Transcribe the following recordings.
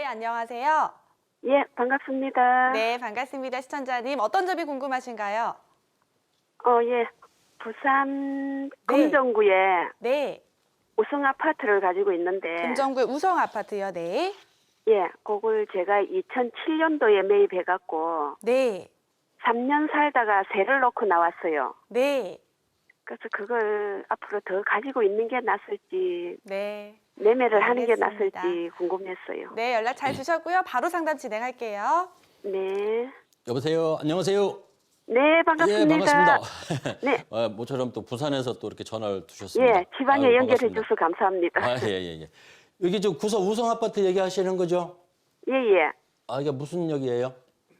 안녕하세요. 예, 반갑습니다. 네, 반갑습니다. 시청자님. 어떤 점이 궁금하신가요? 예. 부산 네. 금정구에 네, 우성 아파트를 가지고 있는데, 금정구의 우성 아파트요. 네. 예, 그걸 제가 2007년도에 매입해갖고, 네, 3년 살다가 세를 놓고 나왔어요. 네, 그래서 그걸 앞으로 더 가지고 있는 게 낫을지, 네. 매매를 하는 게 알겠습니다. 낫을지 궁금했어요. 네, 연락 잘 주셨고요. 바로 상담 진행할게요. 네. 여보세요. 안녕하세요. 네, 반갑습니다. 예, 반갑습니다. 네. 모처럼 또 부산에서 또 이렇게 전화를 주셨습니다. 예, 지방에 아유, 연결해 반갑습니다. 주셔서 감사합니다. 아, 예, 예, 예. 여기 저 구서 우성 아파트 얘기하시는 거죠? 예, 예. 아, 이게 무슨 역이에요?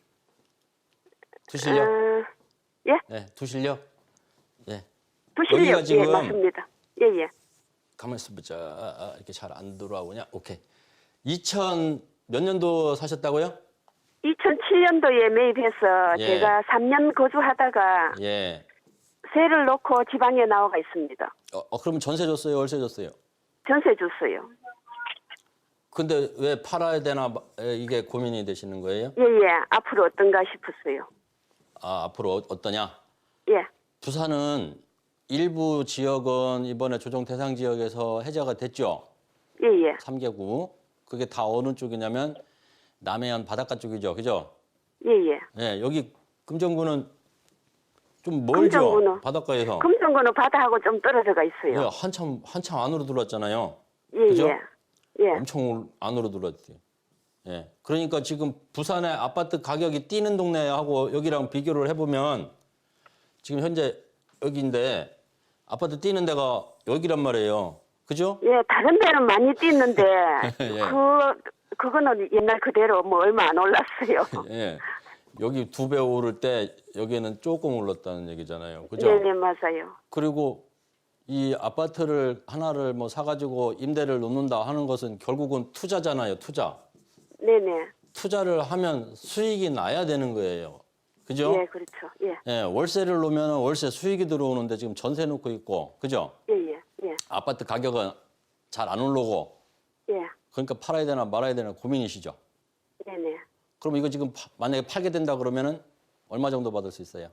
두실역? 예? 네, 두실역. 예. 부실역. 여기가 지금 예, 맞습니다. 예, 예. 가만 있어 보자. 이렇게 잘 안 들어오냐? 오케이. 2000 몇 년도 사셨다고요? 2007년도에 매입해서 예. 제가 3년 거주하다가 예. 세를 놓고 지방에 나와가 있습니다. 그러면 전세 줬어요? 월세 줬어요? 전세 줬어요. 근데 왜 팔아야 되나 이게 고민이 되시는 거예요? 예예. 앞으로 어떤가 싶었어요. 아, 앞으로 어떠냐? 예. 부산은 일부 지역은 이번에 조정 대상 지역에서 해제가 됐죠. 예예. 3개구. 그게 다 어느 쪽이냐면 남해안 바닷가 쪽이죠. 그죠? 예예. 예, 여기 금정구는 좀 멀죠. 금정구는? 바닷가에서. 금정구는 바다하고 좀 떨어져가 있어요. 예, 한참 안으로 들어왔잖아요. 예예. 그죠? 예. 엄청 안으로 들어왔대요. 예. 그러니까 지금 부산의 아파트 가격이 뛰는 동네하고 여기랑 비교를 해보면 지금 현재 여기인데 아파트 뛰는 데가 여기란 말이에요. 그죠? 예. 다른 데는 많이 뛰는데 예. 그거는 옛날 그대로 뭐 얼마 안 올랐어요. 예. 여기 2배 오를 때 여기는 조금 올랐다는 얘기잖아요. 그죠? 네네 맞아요. 그리고 이 아파트를 하나를 뭐 사가지고 임대를 놓는다 하는 것은 결국은 투자잖아요. 투자. 네네. 투자를 하면 수익이 나야 되는 거예요. 그죠? 예 그렇죠. 예. 예, 월세를 놓으면 월세 수익이 들어오는데 지금 전세 놓고 있고, 그죠? 예예. 예. 아파트 가격은 잘 안 오르고, 예. 그러니까 팔아야 되나 말아야 되나 고민이시죠? 네네. 그럼 이거 지금 만약에 팔게 된다 그러면은 얼마 정도 받을 수 있어요?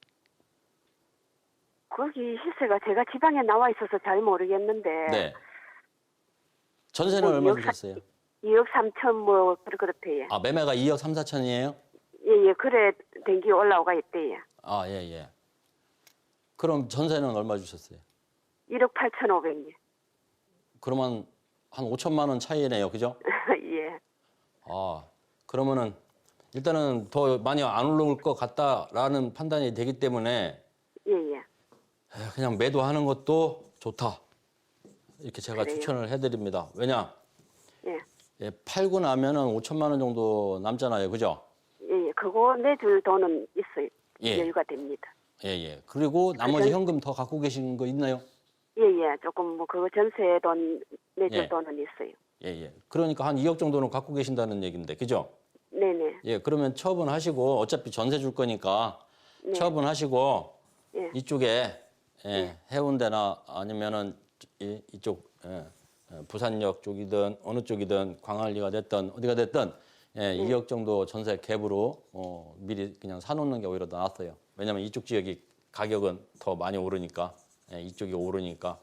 거기 시세가 제가 지방에 나와 있어서 잘 모르겠는데 네. 전세는 뭐 얼마 2억 주셨어요? 2억 3천 뭐 그렇대요. 아, 매매가 2억 3, 4천이에요? 예예. 그래 den기 올라오가 있대요. 아, 예, 예. 그럼 전세는 얼마 주셨어요? 1억 8천 5백요. 그러면 한 5천만 원 차이네요. 그죠? 예. 아, 그러면은 일단은 더 많이 안 오를 것 같다라는 판단이 되기 때문에 예예. 그냥 매도하는 것도 좋다. 이렇게 제가 그래요? 추천을 해드립니다. 왜냐? 예. 예, 팔고 나면은 5천만 원 정도 남잖아요. 그죠? 예예. 그거 내줄 돈은 있어요. 예. 여유가 됩니다. 예, 예. 그리고 나머지 그죠? 현금 더 갖고 계신 거 있나요? 예예. 조금 뭐 그거 전세 돈 내줄 예. 돈은 있어요. 예, 예. 그러니까 한 2억 정도는 갖고 계신다는 얘기인데. 그죠? 네네. 예, 그러면 처분하시고 어차피 전세 줄 거니까 네. 처분하시고 예. 이쪽에 해운대나 아니면은 이쪽 부산역 쪽이든 어느 쪽이든 광안리가 됐든 어디가 됐든 2억 정도 전세 갭으로 미리 그냥 사놓는 게 오히려 더 낫어요. 왜냐하면 이쪽 지역이 가격은 더 많이 오르니까 이쪽이 오르니까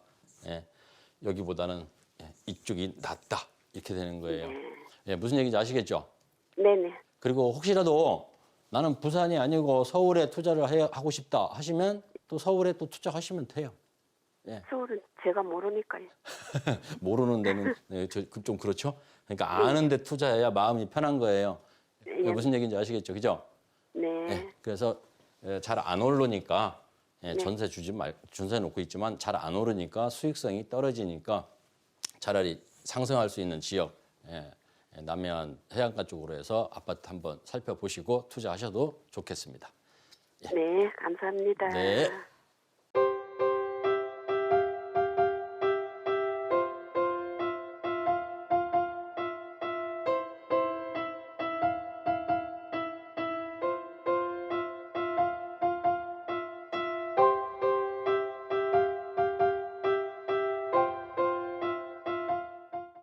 여기보다는 이쪽이 낫다 이렇게 되는 거예요. 예, 무슨 얘기인지 아시겠죠? 네네. 그리고 혹시라도 나는 부산이 아니고 서울에 투자를 하고 싶다 하시면 또 서울에 또 투자하시면 돼요. 서울은 제가 모르니까요. 모르는 데는 좀 그렇죠. 그러니까 아는 데 투자해야 마음이 편한 거예요. 예. 무슨 얘기인지 아시겠죠, 그죠? 네. 그래서 잘 안 오르니까 전세 전세 놓고 있지만 잘 안 오르니까 수익성이 떨어지니까 차라리 상승할 수 있는 지역 남해안 해안가 쪽으로 해서 아파트 한번 살펴보시고 투자하셔도 좋겠습니다. 네. 감사합니다. 네.